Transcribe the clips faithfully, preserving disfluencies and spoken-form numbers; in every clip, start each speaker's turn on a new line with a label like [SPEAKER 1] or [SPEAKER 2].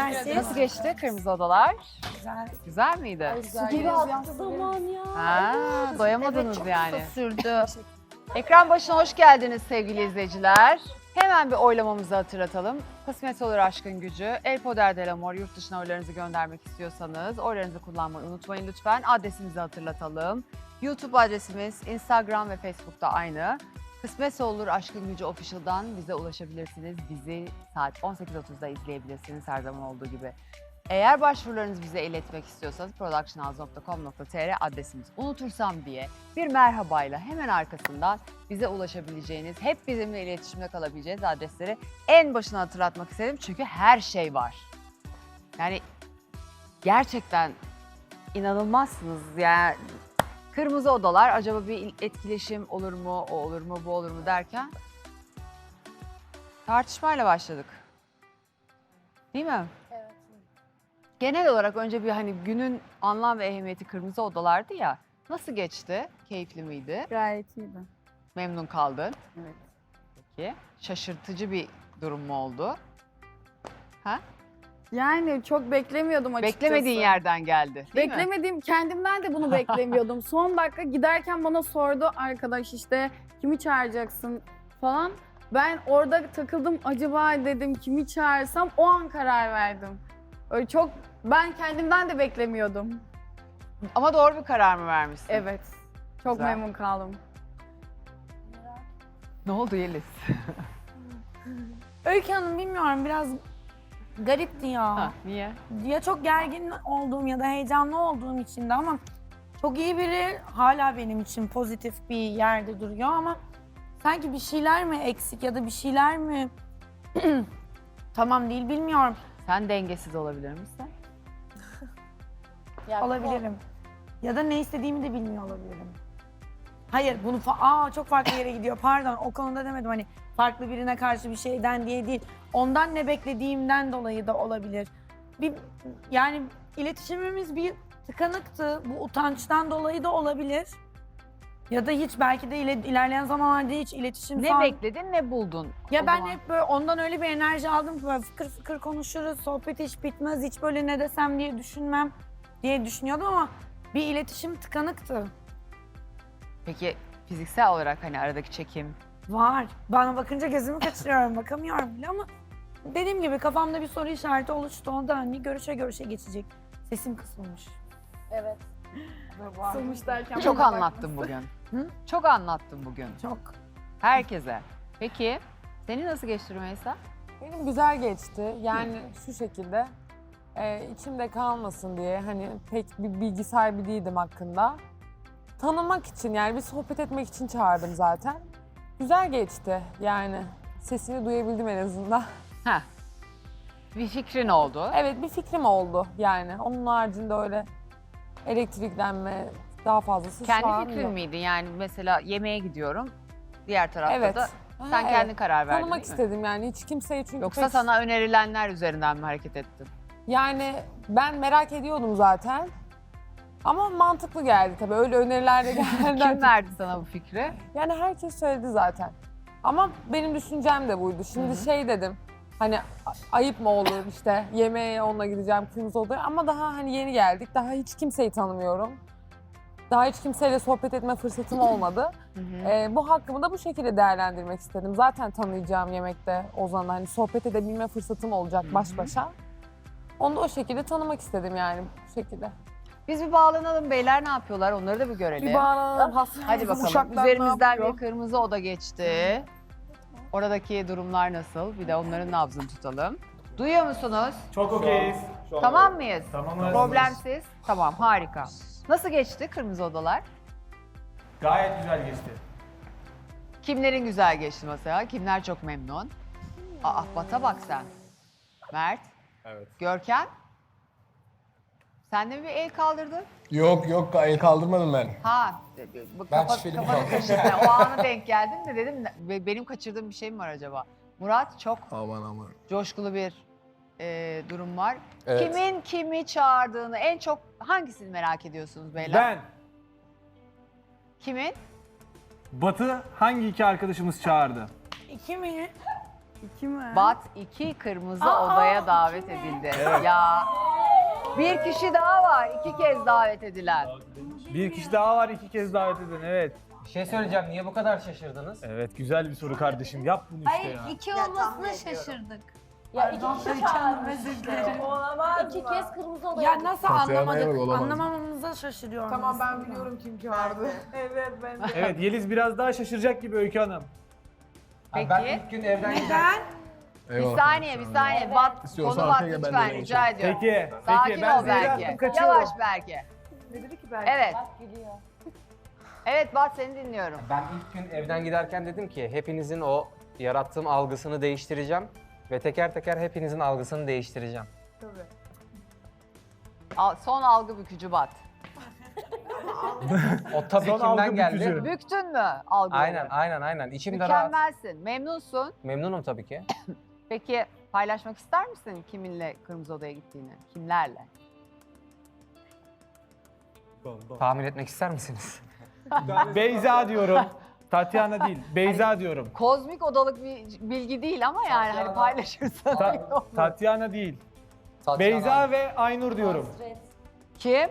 [SPEAKER 1] Teşekkürler siz.
[SPEAKER 2] Nasıl geçti kırmızı odalar?
[SPEAKER 1] Güzel.
[SPEAKER 2] Güzel miydi?
[SPEAKER 1] Su gibi attı zaman ya.
[SPEAKER 2] Ha, doyamadınız
[SPEAKER 1] çok
[SPEAKER 2] yani.
[SPEAKER 1] kısa sürdü.
[SPEAKER 2] Ekran başına hoş geldiniz sevgili izleyiciler. Hemen bir oylamamızı hatırlatalım. Kısmet olur aşkın gücü. El Poder del Amor yurt dışına oylarınızı göndermek istiyorsanız oylarınızı kullanmayı unutmayın lütfen. Adresimizi hatırlatalım. YouTube adresimiz, Instagram ve Facebook'ta aynı. Kısmetse olur aşkın gücü official'dan bize ulaşabilirsiniz. Bizi saat on sekiz otuzda izleyebilirsiniz her zaman olduğu gibi. Eğer başvurularınızı bize iletmek istiyorsanız productionhouse nokta com nokta tr adresimiz unutursam diye bir merhabayla hemen arkasından bize ulaşabileceğiniz, hep bizimle iletişimde kalabileceğiniz adresleri en başına hatırlatmak istedim. Çünkü her şey var. Yani gerçekten inanılmazsınız. Yani kırmızı odalar, acaba bir etkileşim olur mu, o olur mu, bu olur mu derken tartışmayla başladık. Değil mi? Genel olarak önce bir hani günün anlam ve ehemmiyeti kırmızı odalardı ya. Nasıl geçti? Keyifli miydi?
[SPEAKER 3] Gayet iyiydi.
[SPEAKER 2] Memnun kaldın.
[SPEAKER 3] Evet.
[SPEAKER 2] Peki. Şaşırtıcı bir durum mu oldu? Ha?
[SPEAKER 3] Yani çok beklemiyordum açıkçası.
[SPEAKER 2] Beklemediğin yerden geldi, değil mi?
[SPEAKER 3] Beklemediğim, kendimden de bunu beklemiyordum. Son dakika giderken bana sordu arkadaş işte kimi çağıracaksın falan. Ben orada takıldım, acaba dedim kimi çağırsam, o an karar verdim. Öyle çok, ben kendimden de beklemiyordum.
[SPEAKER 2] Ama doğru bir karar mı vermişsin?
[SPEAKER 3] Evet, çok
[SPEAKER 2] Güzel.
[SPEAKER 3] memnun kaldım.
[SPEAKER 2] Ne oldu Yeliz?
[SPEAKER 1] Öykü Hanım bilmiyorum biraz garipti ya.
[SPEAKER 2] Ha, niye?
[SPEAKER 1] Ya çok gergin olduğum ya da heyecanlı olduğum için de ama çok iyi biri hala benim için pozitif bir yerde duruyor ama sanki bir şeyler mi eksik ya da bir şeyler mi tamam değil bilmiyorum.
[SPEAKER 2] Sen dengesiz olabilir misin?
[SPEAKER 1] Olabilirim. Ya da ne istediğimi de bilmiyor olabilirim. Hayır bunu fa- aa çok farklı yere gidiyor. Pardon o konuda demedim hani farklı birine karşı bir şeyden diye değil. Ondan ne beklediğimden dolayı da olabilir. Bir yani iletişimimiz bir tıkanıktı. Bu utançtan dolayı da olabilir. Ya da hiç belki de ile- ilerleyen zamanlarda hiç iletişim
[SPEAKER 2] Ne
[SPEAKER 1] falan-
[SPEAKER 2] bekledin, ne buldun?
[SPEAKER 1] Ya
[SPEAKER 2] o
[SPEAKER 1] ben
[SPEAKER 2] zaman?
[SPEAKER 1] hep böyle ondan öyle bir enerji aldım ki böyle fıkır fıkır konuşuruz, sohbet hiç bitmez, hiç böyle ne desem diye düşünmem diye düşünüyordum ama bir iletişim tıkanıktı.
[SPEAKER 2] Peki fiziksel olarak hani aradaki çekim,
[SPEAKER 1] Var. Bana bakınca gözümü kaçırıyorum, bakamıyorum bile ama dediğim gibi kafamda bir soru işareti oluştu. O da hani görüşe görüşe geçecek. Sesim kısılmış.
[SPEAKER 3] Evet. Sılmış derken
[SPEAKER 2] çok
[SPEAKER 3] bana
[SPEAKER 2] anlattın bugün.
[SPEAKER 1] Hı?
[SPEAKER 2] Çok anlattın bugün.
[SPEAKER 1] Çok.
[SPEAKER 2] Herkese. Peki senin nasıl geçti Rümeysa?
[SPEAKER 4] Benim güzel geçti. Yani şu şekilde e, içimde kalmasın diye hani pek bir bilgi sahibi değildim hakkında. Tanımak için yani bir sohbet etmek için çağırdım zaten. Güzel geçti yani. Sesini duyabildim en azından.
[SPEAKER 2] Heh. Bir fikrin oldu.
[SPEAKER 4] Evet bir fikrim oldu yani. Onun haricinde öyle elektriklenme daha fazlası şu an
[SPEAKER 2] Kendi fikrin
[SPEAKER 4] yok.
[SPEAKER 2] miydi? Yani mesela yemeğe gidiyorum. Diğer tarafta
[SPEAKER 4] Evet.
[SPEAKER 2] da
[SPEAKER 4] Ha,
[SPEAKER 2] sen
[SPEAKER 4] evet.
[SPEAKER 2] kendin karar verdin
[SPEAKER 4] Tanımak
[SPEAKER 2] değil mi?
[SPEAKER 4] istedim yani hiç kimseyi çünkü
[SPEAKER 2] Yoksa
[SPEAKER 4] pek-
[SPEAKER 2] sana önerilenler üzerinden mi hareket ettin?
[SPEAKER 4] Yani ben merak ediyordum zaten. Ama mantıklı geldi tabii. Öyle öneriler de geldi.
[SPEAKER 2] Kim verdi sana bu fikri?
[SPEAKER 4] Yani herkes söyledi zaten. Ama benim düşüncem de buydu. Şimdi şey dedim. Hani a- ayıp mı olur işte yemeğe onunla gideceğim kırmızı odaya ama daha hani yeni geldik. Daha hiç kimseyi tanımıyorum. Daha hiç kimseyle sohbet etme fırsatım olmadı. Ee, bu hakkımı da bu şekilde değerlendirmek istedim. Zaten tanıyacağım yemekte Ozan'la hani sohbet edebilme fırsatım olacak baş başa. Onu da o şekilde tanımak istedim yani bu şekilde.
[SPEAKER 2] Biz bir bağlanalım beyler, ne yapıyorlar onları da bir görelim.
[SPEAKER 4] Bir bağlanalım. has-
[SPEAKER 2] Hadi bakalım.
[SPEAKER 4] uşaklar ne
[SPEAKER 2] Üzerimizden
[SPEAKER 4] yapıyor?
[SPEAKER 2] bir kırmızı oda geçti. Oradaki durumlar nasıl? Bir de onların nabzını tutalım. Duyuyor musunuz?
[SPEAKER 5] Çok okeyiz.
[SPEAKER 2] Tamam mıyız?
[SPEAKER 5] Tamamız.
[SPEAKER 2] Problemsiz. Tamam, harika. Nasıl geçti kırmızı odalar?
[SPEAKER 5] Gayet güzel geçti.
[SPEAKER 2] Kimlerin güzel geçti mesela? Kimler çok memnun? Aa, Bat'a bak sen. Mert.
[SPEAKER 6] Evet.
[SPEAKER 2] Görkem. Sen de mi bir el kaldırdın?
[SPEAKER 6] Yok yok el kaldırmadım ben.
[SPEAKER 2] Ha, bu
[SPEAKER 6] Ben
[SPEAKER 2] kafa,
[SPEAKER 6] şüpheli
[SPEAKER 2] kafanı
[SPEAKER 6] kaldım.
[SPEAKER 2] kaşıdın. O ana denk geldin de dedim "Be- benim kaçırdığım bir şey mi var acaba? Murat, çok
[SPEAKER 6] Aman aman.
[SPEAKER 2] coşkulu bir e, durum var.
[SPEAKER 6] Evet.
[SPEAKER 2] Kimin kimi çağırdığını en çok hangisini merak ediyorsunuz beyler?
[SPEAKER 5] Ben,
[SPEAKER 2] Kimin?
[SPEAKER 5] Batı hangi iki arkadaşımız çağırdı?
[SPEAKER 1] İki mi?
[SPEAKER 3] İki mi?
[SPEAKER 2] Bat iki kırmızı
[SPEAKER 1] Aa,
[SPEAKER 2] odaya davet edildi. Ya bir kişi daha var. iki kez davet edilen.
[SPEAKER 5] Bir kişi daha var iki kez davet eden evet.
[SPEAKER 7] Bir şey söyleyeceğim. Niye bu kadar şaşırdınız?
[SPEAKER 5] Evet güzel bir soru kardeşim. Yap bunu işte
[SPEAKER 8] Hayır
[SPEAKER 5] ya.
[SPEAKER 8] iki olmasına şaşırdık.
[SPEAKER 1] Ya iki kişi çağırdım özür dilerim.
[SPEAKER 8] İki kez kırmızı odaya
[SPEAKER 1] Ya nasıl
[SPEAKER 6] Tatyana
[SPEAKER 1] anlamadık?
[SPEAKER 6] yok, olamaz.
[SPEAKER 1] Anlamamamıza şaşırıyorum.
[SPEAKER 4] Tamam ben
[SPEAKER 1] aslında.
[SPEAKER 4] biliyorum kim çağırdı. evet ben de.
[SPEAKER 5] Evet Yeliz biraz daha şaşıracak gibi Öykü Hanım.
[SPEAKER 2] Peki.
[SPEAKER 7] Ben ilk gün evden giderken...
[SPEAKER 1] Neden?
[SPEAKER 2] Bir
[SPEAKER 6] Eyvallah.
[SPEAKER 2] saniye, bir saniye. Bat,
[SPEAKER 6] İstiyorsan
[SPEAKER 2] konu bat
[SPEAKER 6] arkaya
[SPEAKER 2] lütfen
[SPEAKER 6] ben de
[SPEAKER 2] rica ediyorum.
[SPEAKER 5] Peki.
[SPEAKER 2] Sakin
[SPEAKER 5] Peki ben
[SPEAKER 2] ol
[SPEAKER 5] zehir
[SPEAKER 2] Berke.
[SPEAKER 5] attım kaçıyorum.
[SPEAKER 2] Yavaş Berke.
[SPEAKER 4] Ne dedi ki belki?
[SPEAKER 2] Evet. Evet Bat seni dinliyorum.
[SPEAKER 7] Ben ilk gün evden giderken dedim ki hepinizin o yarattığım algısını değiştireceğim. Ve teker teker hepinizin algısını değiştireceğim.
[SPEAKER 2] Al- Son algı bükücü Bat.
[SPEAKER 7] O tabii
[SPEAKER 5] Son
[SPEAKER 7] kimden
[SPEAKER 5] algı
[SPEAKER 7] geldi?
[SPEAKER 5] bükücü.
[SPEAKER 2] Büktün mü algıları?
[SPEAKER 7] Aynen, aynen, aynen. İçimde rahat.
[SPEAKER 2] Mükemmelsin, memnunsun.
[SPEAKER 7] Memnunum tabii ki.
[SPEAKER 2] Peki paylaşmak ister misin kiminle Kırmızı Oda'ya gittiğini? Kimlerle?
[SPEAKER 7] Tahmin etmek ister misiniz?
[SPEAKER 5] Beyza diyorum. Tatyana değil. Beyza diyorum.
[SPEAKER 2] Kozmik odalık bir bilgi değil ama yani hani paylaşırsan.
[SPEAKER 5] Ta-
[SPEAKER 2] iyi olur.
[SPEAKER 5] Tatyana değil. Beyza ve Aynur diyorum.
[SPEAKER 2] Kim?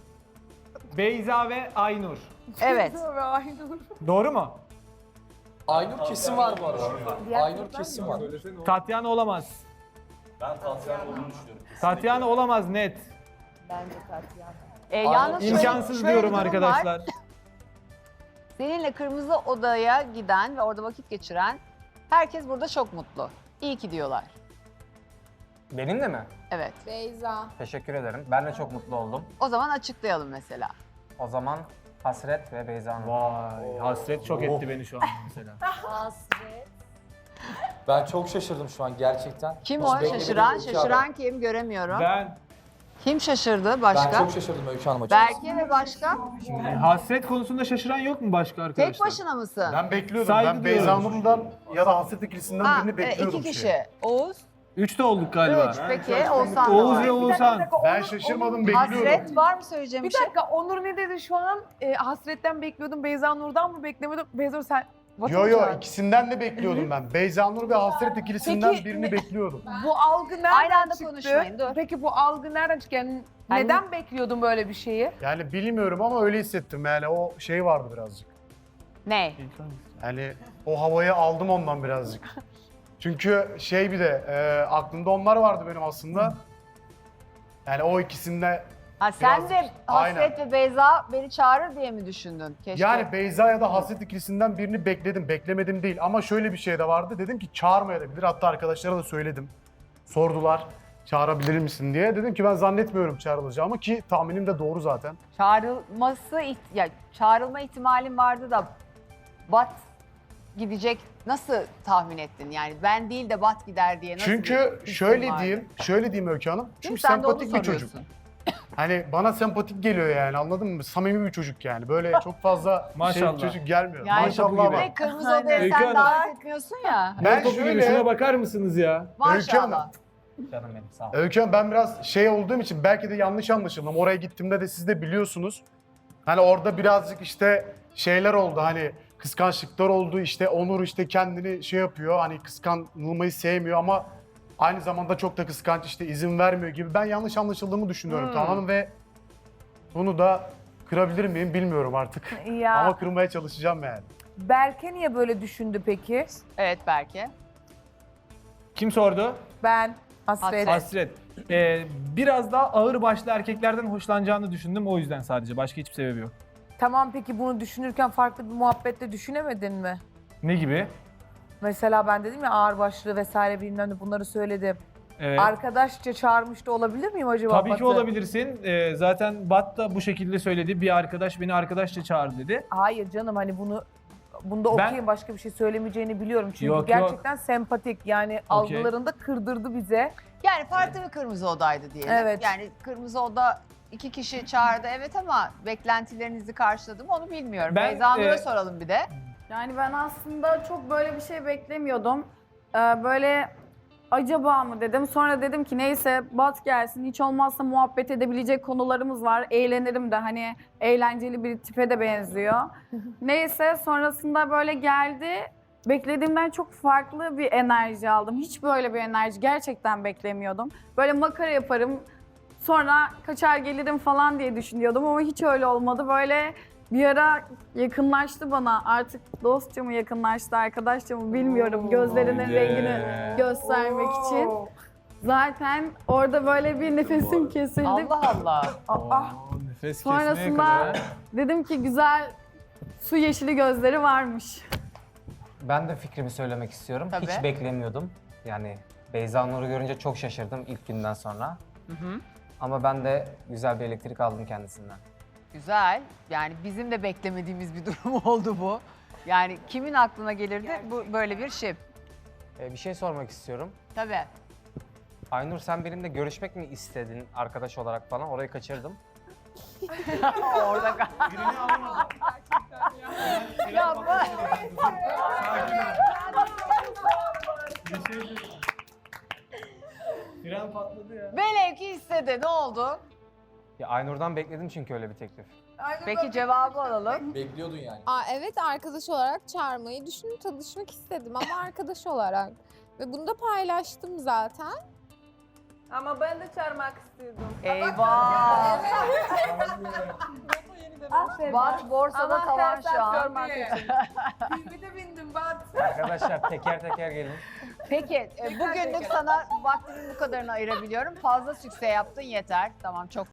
[SPEAKER 5] Beyza ve Aynur.
[SPEAKER 2] Evet.
[SPEAKER 5] Doğru mu?
[SPEAKER 9] Aynur kesim var bu arada. Aynur kesim var.
[SPEAKER 5] Tatyana olamaz. Ben Tatyana olduğunu düşünüyorum. Tatyana olamaz net.
[SPEAKER 2] Ee, yalnız şöyle-
[SPEAKER 5] İmkansız
[SPEAKER 2] şöyle bir
[SPEAKER 5] diyorum
[SPEAKER 2] durum var.
[SPEAKER 5] arkadaşlar.
[SPEAKER 2] Seninle Kırmızı Oda'ya giden ve orada vakit geçiren herkes burada çok mutlu. İyi ki diyorlar.
[SPEAKER 7] Benimle mi?
[SPEAKER 2] Evet.
[SPEAKER 4] Beyza.
[SPEAKER 7] Teşekkür ederim. Ben de çok mutlu oldum.
[SPEAKER 2] O zaman açıklayalım mesela.
[SPEAKER 7] O zaman Hasret ve Beyza Hanım.
[SPEAKER 5] Vay hasret çok etti beni şu an mesela.
[SPEAKER 8] Hasret.
[SPEAKER 9] Ben çok şaşırdım şu an gerçekten.
[SPEAKER 2] Kim
[SPEAKER 9] Hiç
[SPEAKER 2] o
[SPEAKER 9] beklemediğim
[SPEAKER 2] şaşıran?
[SPEAKER 9] bir iki
[SPEAKER 2] Şaşıran
[SPEAKER 9] haber.
[SPEAKER 2] kim? Göremiyorum.
[SPEAKER 5] Ben
[SPEAKER 2] Kim şaşırdı
[SPEAKER 9] Ben
[SPEAKER 2] başka?
[SPEAKER 9] çok şaşırdım Öykü Hanım açıkçası.
[SPEAKER 2] Berke ve başka?
[SPEAKER 5] e, hasret konusunda şaşıran yok mu başka arkadaşlar?
[SPEAKER 2] Tek başına mısın?
[SPEAKER 10] Ben bekliyordum.
[SPEAKER 5] Saygı
[SPEAKER 10] ben Beyza
[SPEAKER 5] duyuyorum.
[SPEAKER 10] Nur'dan ya da Hasret ikilisinden
[SPEAKER 2] Ha,
[SPEAKER 10] birini
[SPEAKER 2] evet,
[SPEAKER 10] bekliyordum.
[SPEAKER 2] iki
[SPEAKER 10] şey.
[SPEAKER 2] kişi. Oğuz.
[SPEAKER 5] Üçte olduk galiba.
[SPEAKER 2] Üç. Peki Oğuzhan da
[SPEAKER 5] Oğuz
[SPEAKER 2] var.
[SPEAKER 5] ve Oğuzhan.
[SPEAKER 10] Ben şaşırmadım, bekliyordum.
[SPEAKER 2] Hasret var mı söyleyeceğim bir
[SPEAKER 4] Bir
[SPEAKER 2] şey?
[SPEAKER 4] dakika Onur ne dedi şu an? E, hasretten bekliyordum. Beyza Nur'dan mı beklemiyordum? Beyza Nur sen... Batı
[SPEAKER 10] Yo
[SPEAKER 4] mı
[SPEAKER 10] yo
[SPEAKER 4] çağırdın?
[SPEAKER 10] ikisinden de bekliyordum ben. Beyza Nur ve Hasret ikilisinden
[SPEAKER 4] Peki,
[SPEAKER 10] birini
[SPEAKER 4] ne-
[SPEAKER 10] bekliyordum.
[SPEAKER 4] Bu algı nereden
[SPEAKER 2] Aynı anda
[SPEAKER 4] çıktı?
[SPEAKER 2] konuşmayın, dur.
[SPEAKER 4] Peki bu algı nereden çıktı? Yani
[SPEAKER 2] Yani-
[SPEAKER 4] neden bekliyordun böyle bir şeyi?
[SPEAKER 10] Yani bilmiyorum ama öyle hissettim. Yani o şey vardı birazcık.
[SPEAKER 2] Ne?
[SPEAKER 10] Yani o havayı aldım ondan birazcık. Çünkü şey bir de e, aklımda onlar vardı benim aslında. Yani o ikisinde
[SPEAKER 2] Ha sen
[SPEAKER 10] Biraz-
[SPEAKER 2] de Hasret
[SPEAKER 10] aynen.
[SPEAKER 2] ve Beyza beni çağırır diye mi düşündün? Keşke.
[SPEAKER 10] yani Beyza ya da Hasret ikilisinden birini bekledim. Beklemedim değil ama şöyle bir şey de vardı. Dedim ki çağırmayabilir. Hatta arkadaşlara da söyledim. Sordular çağırabilir misin diye. Dedim ki ben zannetmiyorum çağrılacağımı ki tahminim de doğru zaten.
[SPEAKER 2] Çağrılması, iht- ya çağrılma ihtimalin vardı da Bat gidecek nasıl tahmin ettin? Yani ben değil de Bat gider diye nasıl
[SPEAKER 10] Çünkü
[SPEAKER 2] bir
[SPEAKER 10] şöyle
[SPEAKER 2] hissin vardı?
[SPEAKER 10] diyeyim, şöyle diyeyim Öykü Hanım.
[SPEAKER 2] Değil mi?
[SPEAKER 10] Çünkü
[SPEAKER 2] Sen de onu
[SPEAKER 10] sempatik bir çocuk.
[SPEAKER 2] soruyorsun.
[SPEAKER 10] Hani bana sempatik geliyor yani anladın mı? Samimi bir çocuk yani. Böyle çok fazla şey
[SPEAKER 5] Maşallah.
[SPEAKER 10] bir çocuk gelmiyor.
[SPEAKER 2] Yani
[SPEAKER 10] Maşallah
[SPEAKER 5] topu gibi.
[SPEAKER 10] bak.
[SPEAKER 2] Ve Kırmızı Oda'ya
[SPEAKER 5] Öykü
[SPEAKER 2] sen
[SPEAKER 5] Hanım.
[SPEAKER 2] davet etmiyorsun ya.
[SPEAKER 10] Ben
[SPEAKER 5] Topu gibi,
[SPEAKER 10] şöyle-
[SPEAKER 5] şuna bakar mısınız ya?
[SPEAKER 10] Öykü Hanım.
[SPEAKER 2] Maşallah.
[SPEAKER 7] Canım benim sağ ol.
[SPEAKER 10] Öykü Hanım ben biraz şey olduğum için belki de yanlış anlaşıldım. Oraya gittiğimde de siz de biliyorsunuz. Hani orada birazcık işte şeyler oldu hani kıskançlıklar oldu işte Onur işte kendini şey yapıyor hani kıskanılmayı sevmiyor ama aynı zamanda çok da kıskanç işte izin vermiyor gibi ben yanlış anlaşıldığımı düşünüyorum
[SPEAKER 4] Hmm.
[SPEAKER 10] tamam mı? Ve bunu da kırabilir miyim bilmiyorum artık.
[SPEAKER 4] Ya
[SPEAKER 10] Ama kırmaya çalışacağım yani.
[SPEAKER 4] Berke niye böyle düşündü peki?
[SPEAKER 2] Evet Berke.
[SPEAKER 5] Kim sordu?
[SPEAKER 4] Ben hasret.
[SPEAKER 5] Hasret. Ee, biraz daha ağır başlı erkeklerden hoşlanacağını düşündüm o yüzden sadece. Başka hiçbir sebebi yok.
[SPEAKER 4] Tamam peki bunu düşünürken farklı bir muhabbette düşünemedin mi?
[SPEAKER 5] Ne gibi?
[SPEAKER 4] Mesela ben dedim ya ağırbaşlı vesaire bilmem ne bunları söyledim.
[SPEAKER 5] Evet.
[SPEAKER 4] Arkadaşça çağırmış da olabilir miyim acaba?
[SPEAKER 5] Tabii ki
[SPEAKER 4] Batı?
[SPEAKER 5] olabilirsin. Ee, zaten Bat da bu şekilde söyledi. Bir arkadaş beni arkadaşça çağırdı dedi.
[SPEAKER 4] Hayır canım hani bunu bunda
[SPEAKER 5] Ben-
[SPEAKER 4] okuyayım başka bir şey söylemeyeceğini biliyorum. Çünkü
[SPEAKER 5] Yok,
[SPEAKER 4] gerçekten sempatik yani algılarında kırdırdı bize.
[SPEAKER 2] Yani farklı bir Kırmızı Oda'ydı diyelim.
[SPEAKER 4] Evet.
[SPEAKER 2] Yani Kırmızı Oda iki kişi çağırdı evet ama beklentilerinizi karşıladı mı onu bilmiyorum.
[SPEAKER 5] Ben,
[SPEAKER 2] Beyza Nur'a
[SPEAKER 5] e,
[SPEAKER 2] soralım bir de.
[SPEAKER 3] Yani ben aslında çok böyle bir şey beklemiyordum. Ee, böyle acaba mı dedim. Sonra dedim ki neyse Bat gelsin. Hiç olmazsa muhabbet edebilecek konularımız var. Eğlenirim de hani eğlenceli bir tipe de benziyor. Neyse sonrasında böyle geldi. beklediğimden çok farklı bir enerji aldım. Hiç böyle bir enerji gerçekten beklemiyordum. Böyle makara yaparım, sonra kaçar gelirim falan diye düşünüyordum ama hiç öyle olmadı. Böyle bir ara yakınlaştı bana. Artık dostça mı yakınlaştı, arkadaşça mı bilmiyorum. Gözlerinin rengini göstermek için. Zaten orada böyle bir nefesim kesildi.
[SPEAKER 2] Allah Allah.
[SPEAKER 3] Aa,
[SPEAKER 5] Nefes kesmeye
[SPEAKER 3] sonrasında
[SPEAKER 5] kadar.
[SPEAKER 3] dedim ki güzel su yeşili gözleri varmış.
[SPEAKER 7] Ben de fikrimi söylemek istiyorum.
[SPEAKER 2] Tabii.
[SPEAKER 7] Hiç beklemiyordum. Yani Beyza Nur'u görünce çok şaşırdım ilk günden sonra.
[SPEAKER 2] Hı hı.
[SPEAKER 7] Ama ben de güzel bir elektrik aldım kendisinden.
[SPEAKER 2] Güzel. Yani bizim de beklemediğimiz bir durum oldu bu. Yani kimin aklına gelirdi bu böyle bir şey?
[SPEAKER 7] Ee, bir şey sormak istiyorum.
[SPEAKER 2] Tabii.
[SPEAKER 7] Aynur sen benimle görüşmek mi istedin arkadaş olarak falan? Orayı kaçırdım.
[SPEAKER 2] Orada kal- Ya bu-
[SPEAKER 5] Fren patladı ya.
[SPEAKER 2] Velev ki istedi. Ne oldu?
[SPEAKER 7] Ya Aynur'dan bekledim çünkü öyle bir teklif.
[SPEAKER 2] Peki cevabı alalım.
[SPEAKER 9] Bekliyordun yani.
[SPEAKER 11] Aa, evet arkadaş olarak çağırmayı düşündüm, tanışmak istedim ama arkadaş olarak. Ve bunu da paylaştım zaten.
[SPEAKER 8] Ama ben de çağırmak istiyordum.
[SPEAKER 2] Eyvah. Bat borsada tavan şu an.
[SPEAKER 8] Bir de bindim Bat.
[SPEAKER 7] Arkadaşlar teker teker gelin.
[SPEAKER 2] Peki e, bugünlük sana vaktimin bu kadarını ayırabiliyorum. Fazla sükse yaptın yeter. Tamam çok